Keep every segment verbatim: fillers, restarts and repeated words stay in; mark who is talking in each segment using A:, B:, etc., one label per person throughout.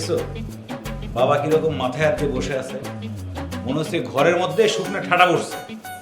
A: দেখছো বাবা কিরকম মাথায় হাতে বসে আছে, মনে হচ্ছে ঘরের মধ্যে শুকনো ঠাডা বসছে।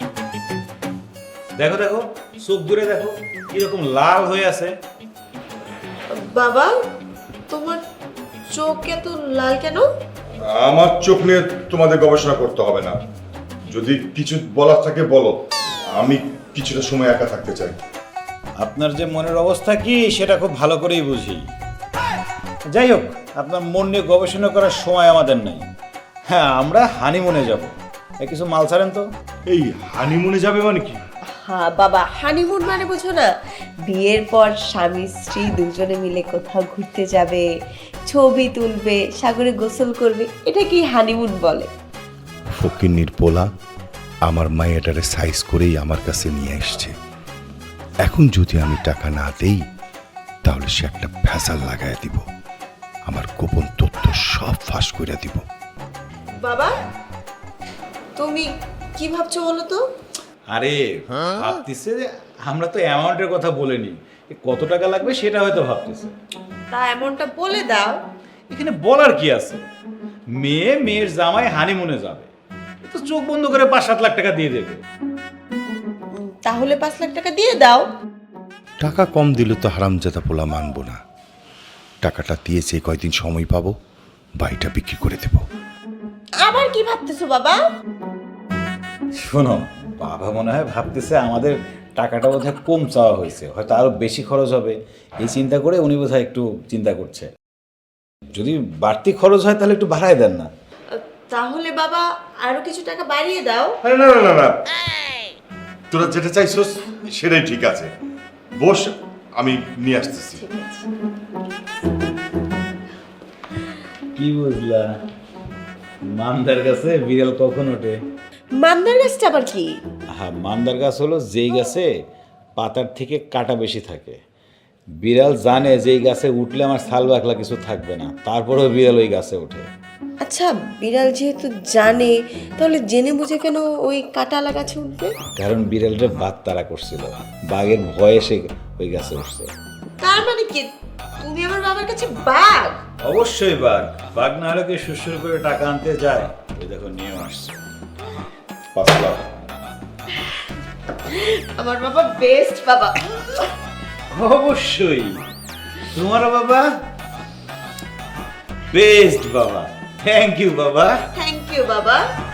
A: দেখো দেখো চোখ দূরে দেখো কিরকম লাল হয়ে আছে।
B: বাবা তোমার চোখ এত লাল কেন?
C: আমার চোখ নিয়ে তোমাদের গবেষণা করতে হবে না। যদি কিছু বলার থাকে বলো, আমি কিছুটা সময় একা থাকতে চাই।
A: আপনার যে মনের অবস্থা কি সেটা খুব ভালো করেই বুঝি। যাই হোক, আপনার মন নিয়ে গবেষণা করার সময় আমাদের নেই। হ্যাঁ, আমরা হানিমুনে যাব। এই কিছু মাল ছাড়েন তো।
C: এই হানিমুনে যাবে মানে কি?
B: হ্যাঁ বাবা, হানিমুন মানে বুঝো না? বিয়ের পর স্বামী স্ত্রী দুজনে মিলে কোথাও ঘুরতে যাবে, ছবি তুলবে, সাগরে গোসল করবে, এটা কি হানিমুন বলে?
D: ফকিন্নির পোলা আমার মায়েটারে সাইজ করেই আমার কাছে নিয়ে এসছে। এখন যদি আমি টাকা না দেই তাহলে সে একটা ভেজাল লাগাই দিব, আমার গোপন তথ্য সব ফাঁস করে দিব।
B: বাবা তুমি কি ভাবছো বলো তো?
A: আরে ভাবতেছে যে আমরা তো অ্যামাউন্টের কথা বলিনি, কত টাকা লাগবে সেটা হয়তো ভাবতেছে।
B: তা এমনটা বলে দাও।
A: এখানে বলার কি আছে? মেয়ে মেয়ের জামাই হানিমুনে যাবে, এ তো চোখ বন্ধ করে পাঁচ সাত লাখ টাকা দিয়ে দেবে।
B: উম, তাহলে পাঁচ লাখ টাকা দিয়ে দাও।
D: টাকা কম দিলে তো হারামজাদা পোলা মানবো না। টাকাটা দিয়েছে, কয়দিন সময় পাবো, বাড়িটা বিক্রি করে দেব।
B: আবার কি ভাবতেছো বাবা?
A: শোনো, বাবা মনে হয় ভাবতেছে আমাদের টাকাটা বোধহয় কম চাওয়া হয়েছে, হয়তো আরো বেশি খরচ হবে, এই চিন্তা করে উনি বোধহয় একটু চিন্তা করছে। যদি বাড়তি খরচ হয় তাহলে একটু বাড়ায় দেন না।
B: তাহলে বাবা আরো কিছু টাকা বাড়িয়ে দাও।
C: আরে না না না না, তোরা যেটা চাইছস সেটাই ঠিক আছে। বস, আমি নিয়ে আসতেছি।
A: কি বুঝলা? মান্দার কাছে বিড়াল কখন ওঠে?
B: মান্দার গাছটা আবার কি?
A: হ্যাঁ, মান্দার গাছ হলো যেই গাছে পাতার থেকে কাটা বেশি থাকে। বিড়াল জানে যে এই গাছে উঠলে আমার ছাল বাকলা কিছু থাকবে না, তারপরেও বিড়াল ওই গাছে ওঠে।
B: আচ্ছা বিড়াল যেহেতু জানে, তাহলে জেনে বুঝে কেন ওই কাঁটালা গাছে উঠবে?
A: কারণ বিড়ালটা বাঘ তাড়া করছিল, বাঘের ভয়ে সে ওই গাছে উঠছে।
B: তার মানে কি তুমি আমার বাবার কাছে বাঘ?
A: অবশ্যই বাঘ। বাঘ না হলে কি সুসুর করে টাকা আনতে যায়? ওই দেখো নিয়ে আসছে
C: পাঁচ লাখ।
B: আমার বাবা বেস্ট বাবা।
A: অবশ্যই তোমার বাবা বেস্ট বাবা। থ্যাংক ইউ বাবা।
B: থ্যাংক ইউ বাবা।